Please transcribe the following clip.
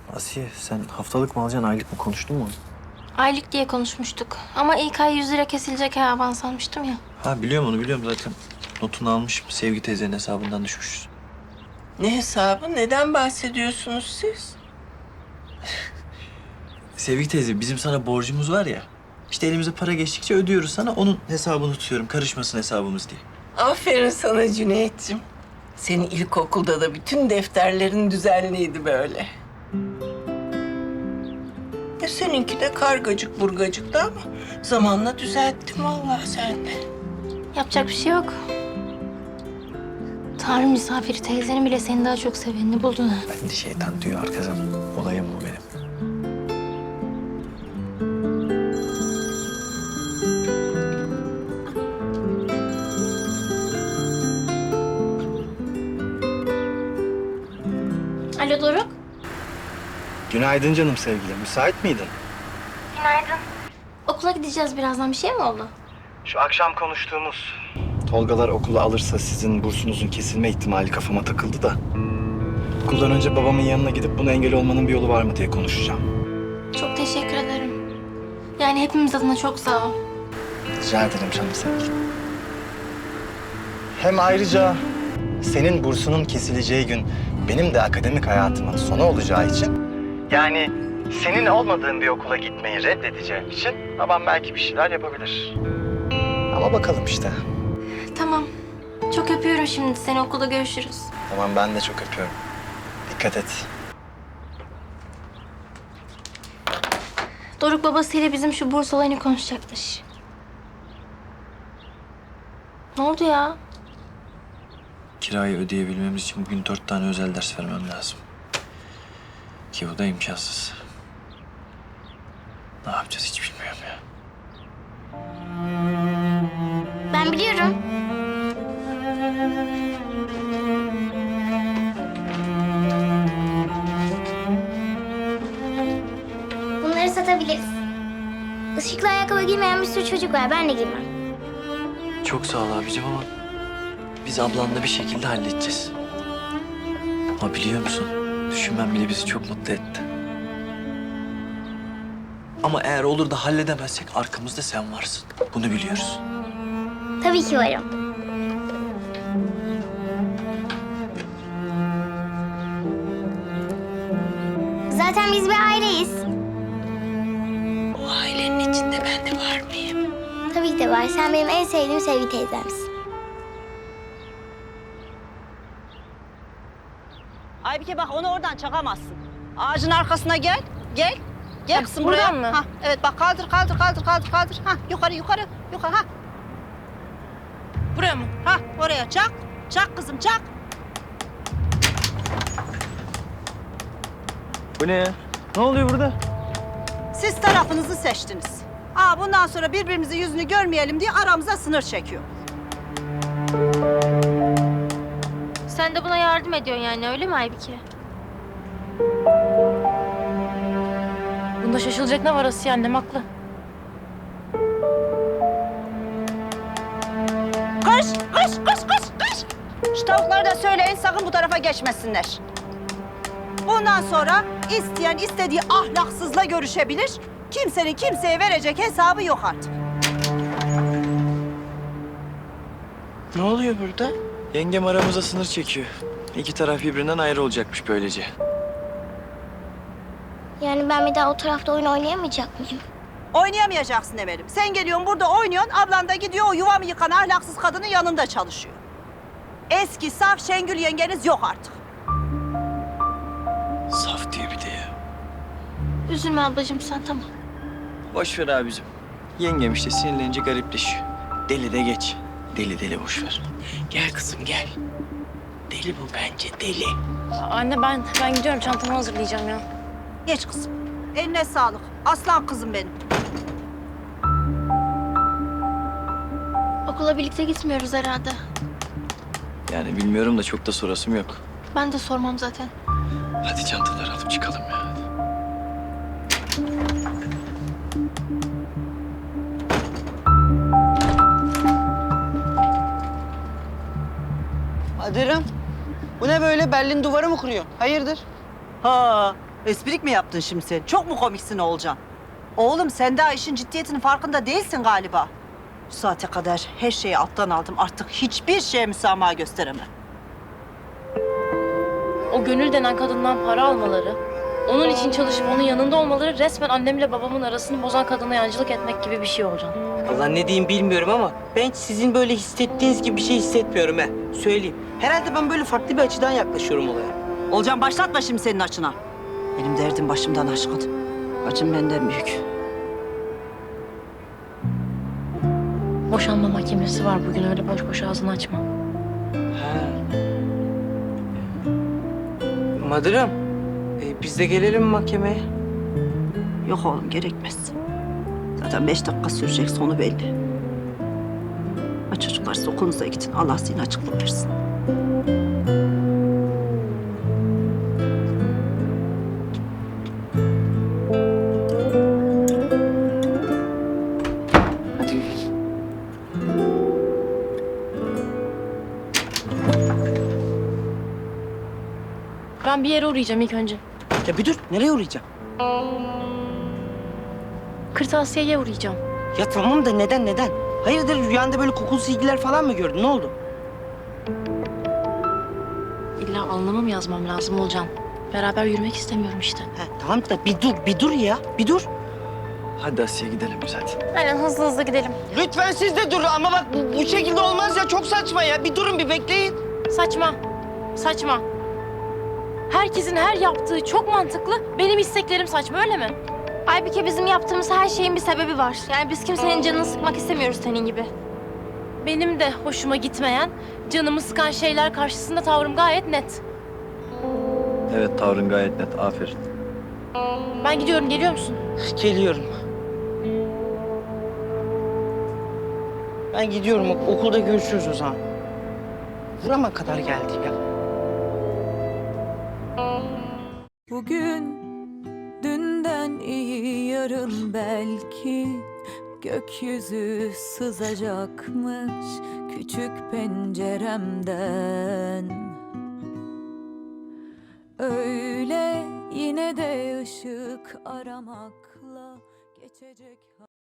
Asiye sen haftalık mı alacaksın, aylık mı, konuştun mu? Aylık diye konuşmuştuk. Ama ilk ay 100 lira kesilecek avans sanmıştım ya. Ha biliyorum, onu biliyorum zaten. Notunu almışım. Sevgi teyzenin hesabından düşmüşüz. Ne hesabı? Neden bahsediyorsunuz siz? Sevgi teyze, bizim sana borcumuz var ya. İşte elimize para geçtikçe ödüyoruz sana. Onun hesabını tutuyorum. Karışmasın hesabımız diye. Aferin sana Cüneyt'ciğim. Senin ilkokulda da bütün defterlerin düzenliydi böyle. Seninki de kargacık burgacıktı ama zamanla düzelttim vallahi sen de. Yapacak bir şey yok. Tanrı misafiri teyzenin bile seni daha çok sevenini buldun ha. Ben de şeytan diyor arkadan. Olayım bu benim. Alo Doruk. Günaydın canım sevgilim. Müsait miydin? Günaydın. Okula gideceğiz birazdan. Bir şey mi oldu? Şu akşam konuştuğumuz Tolgalar okula alırsa sizin bursunuzun kesilme ihtimali kafama takıldı da. Okuldan önce babamın yanına gidip buna engel olmanın bir yolu var mı diye konuşacağım. Çok teşekkür ederim. Yani hepimiz adına çok sağ ol. Rica ederim canım sevgilim. Hem ayrıca senin bursunun kesileceği gün benim de akademik hayatımın sonu olacağı için... Yani senin olmadığın bir okula gitmeyi reddedeceğim için babam belki bir şeyler yapabilir. Ama bakalım işte. Tamam. Çok öpüyorum şimdi seni. Okulda görüşürüz. Tamam, ben de çok öpüyorum. Dikkat et. Doruk babasıyla bizim şu burs olayını konuşacakmış. Ne oldu ya? Kirayı ödeyebilmemiz için bugün 4 tane özel ders vermem lazım. Ki bu da imkansız. Ne yapacağız hiç bilmiyorum ya. Ben biliyorum. Bunları satabiliriz. Işıklı ayakkabı giymeyen bir sürü çocuk var. Ben de giymem. Çok sağ ol abicim ama biz ablanla bir şekilde halledeceğiz. Ama biliyor musun? Düşünmem bile bizi çok mutlu etti. Ama eğer olur da halledemezsek arkamızda sen varsın. Bunu biliyoruz. Tabii ki varım. Zaten biz bir aileyiz. O ailenin içinde ben de var mıyım? Tabii ki de var. Sen benim en sevdiğim Sevgi teyzemsin. Aybike bak, onu oradan çakamazsın. Ağacın arkasına gel. Gel. Gel kızım buraya. buradan mı? Ha, evet bak, kaldır. Ha, yukarı. Ha. Buraya mı? Ha, oraya çak. Çak kızım, çak. Bu ne ya? Ne oluyor burada? Siz tarafınızı seçtiniz. Bundan sonra birbirimizin yüzünü görmeyelim diye aramıza sınır çekiyor. Sen de buna yardım ediyorsun yani öyle mi Aybike? Bunda şaşılacak ne var Asiye, annem haklı. Kış. Şu tavuklara da söyleyin, sakın bu tarafa geçmesinler. Bundan sonra isteyen istediği ahlaksızla görüşebilir. Kimsenin kimseye verecek hesabı yok artık. Ne oluyor burada? Yengem aramıza sınır çekiyor. İki taraf birbirinden ayrı olacakmış böylece. Yani ben bir daha o tarafta oyun oynayamayacak mıyım? Oynayamayacaksın Emel'im. Sen geliyorsun burada oynuyorsun, ablan da gidiyor o yuvamı yıkan ahlaksız kadının yanında çalışıyor. Eski saf Şengül yengeniz yok artık. Saf diye bir de ya. Üzülme ablacığım sen, tamam. Boş ver abicim. Yengem işte sinirlenince garipleşiyor. Deli de geç. Deli boş ver. Gel kızım gel. Deli bu bence deli. Anne ben gidiyorum, çantamı hazırlayacağım ya. Geç kızım. Eline sağlık. Aslan kızım benim. Okula birlikte gitmiyoruz herhalde. Yani bilmiyorum da çok da sorasım yok. Ben de sormam zaten. Hadi çantaları alıp çıkalım ya. Adırım, bu ne böyle? Berlin duvarı mı kuruyor? Hayırdır? Ha, Esprik mi yaptın şimdi sen? Çok mu komiksin Oğulcan? Oğlum sen daha işin ciddiyetinin farkında değilsin galiba. Bu saate kadar her şeyi alttan aldım. Artık hiçbir şeye müsamaha gösteremem. O Gönül denen kadından para almaları, onun için çalışıp onun yanında olmaları resmen annemle babamın arasını bozan kadına yancılık etmek gibi bir şey olacak. Allah ne diyeyim bilmiyorum ama ben sizin böyle hissettiğiniz gibi bir şey hissetmiyorum he. Söyleyeyim. Herhalde ben böyle farklı bir açıdan yaklaşıyorum olaya. Oğulcan başlatma şimdi senin açına. Benim derdim başımdan aşkın. Acım benden büyük. Boşanma mahkemesi var bugün, öyle boş boş ağzını açma. Ha. Madırım, biz de gelelim mi mahkemeye? Yok oğlum gerekmez. Zaten 5 dakika sürecek, sonu belli. Ha çocuklar siz okulunuza gidin. Allah sizin açıklık versin. Hadi. Ben bir yere uğrayacağım ilk önce. Ya bir dur, nereye uğrayacağım? Kırtasiye'ye uğrayacağım. Ya tamam da neden? Hayırdır rüyanda böyle kokulu silgiler falan mı gördün? Ne oldu? İlla alnıma mı yazmam lazım Olcan? Beraber yürümek istemiyorum işte. Ha, tamam da bir dur ya, bir dur. Hadi Asiye gidelim biz hadi. Aynen hızlı hızlı gidelim. Lütfen siz de durun ama bak bu şekilde olmaz ya, çok saçma ya. Bir durun, bir bekleyin. Saçma, saçma. Herkesin her yaptığı çok mantıklı, benim isteklerim saçma, öyle mi? Aybike, bizim yaptığımız her şeyin bir sebebi var. Yani biz kimsenin canını sıkmak istemiyoruz senin gibi. Benim de hoşuma gitmeyen, canımı sıkan şeyler karşısında tavrım gayet net. Evet, tavrın gayet net. Aferin. Ben gidiyorum, geliyor musun? Geliyorum. Ben gidiyorum, okulda görüşürüz o zaman. Burama kadar geldi ya. Bugün dünden iyi, yarın belki gökyüzü sızacakmış küçük penceremden. Öyle yine de ışık aramakla geçecek.